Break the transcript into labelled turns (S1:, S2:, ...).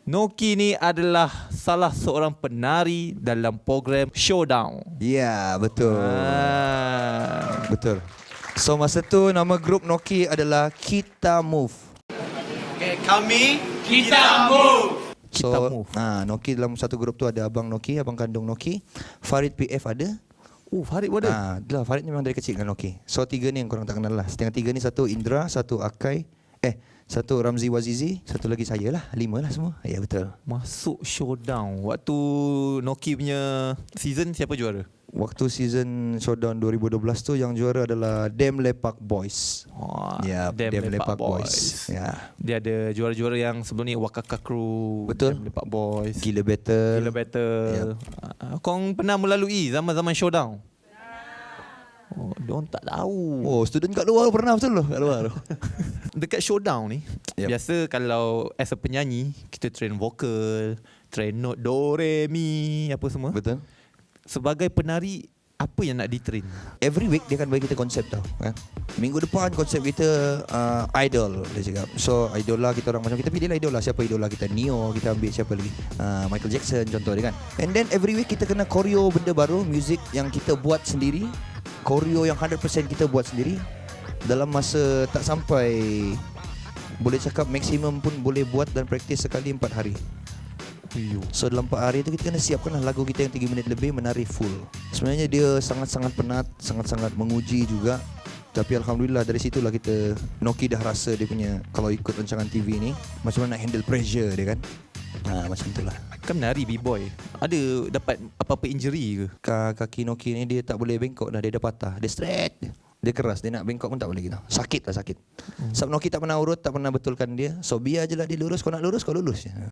S1: Noki ni adalah salah seorang penari dalam program Showdown.
S2: Ya, betul. Betul. So masa tu nama grup Noki adalah Kita Move.
S3: Okay, kami Kita Move.
S1: Kita Move.
S2: Noki dalam satu grup tu ada Abang Noki, Abang kandung Noki, Farid PF ada.
S1: Farid pun ada?
S2: Dah, Farid ni memang dari kecil dengan Noki. So tiga ni yang korang tak kenal lah. Setengah tiga ni satu Indra, satu Akai, satu Ramzi Wazizi, satu lagi saya lah. 5 lah semua. Ya betul.
S1: Masuk Showdown. Waktu Noki punya season siapa juara?
S2: Waktu season Showdown 2012 tu yang juara adalah Dem Lepak Boys. Ya, Dem Lepak Boys. Ya.
S1: Dia ada juara-juara yang sebelum ni Wakaka Crew,
S2: Betul.
S1: Dem Lepak Boys,
S2: Gila Battle.
S1: Gila Battle. Kong pernah melalui zaman-zaman Showdown? Diorang tak tahu.
S2: Student kat luar pernah betul loh, kat luar tu.
S1: Dekat Showdown ni, biasa kalau as a penyanyi, kita train vokal, train note do, re, mi, apa semua.
S2: Betul.
S1: Sebagai penari, apa yang nak di-train?
S2: Every week dia akan bagi kita konsep tau kan? Minggu depan konsep kita idol, dia cakap. So idola kita orang macam kita pilih lah idola. Siapa idola kita? Neo, kita ambil siapa lagi? Michael Jackson contoh dia kan. And then every week kita kena choreo benda baru, music yang kita buat sendiri, choreo yang 100% kita buat sendiri. Dalam masa tak sampai, boleh cakap maksimum pun boleh buat dan praktis sekali 4 hari. So dalam 4 hari tu kita kena siapkan lah lagu kita yang 3 minit lebih menari full. Sebenarnya dia sangat-sangat penat, sangat-sangat menguji juga. Tapi Alhamdulillah dari situlah kita, Noki dah rasa dia punya, kalau ikut rancangan TV ni, macam mana nak handle pressure dia kan. Macam tu lah.
S1: Kan menari B-boy, ada dapat apa-apa injury ke?
S2: Kaki Noki ni dia tak boleh bengkok dah, dia dah patah. Dia straight. Dia keras, dia nak bengkok pun tak boleh gitu. Sakit lah, sakit. Sebab Noki tak pernah urut, tak pernah betulkan dia. So biar je lah dia lurus, kau nak lurus, kau lurus je.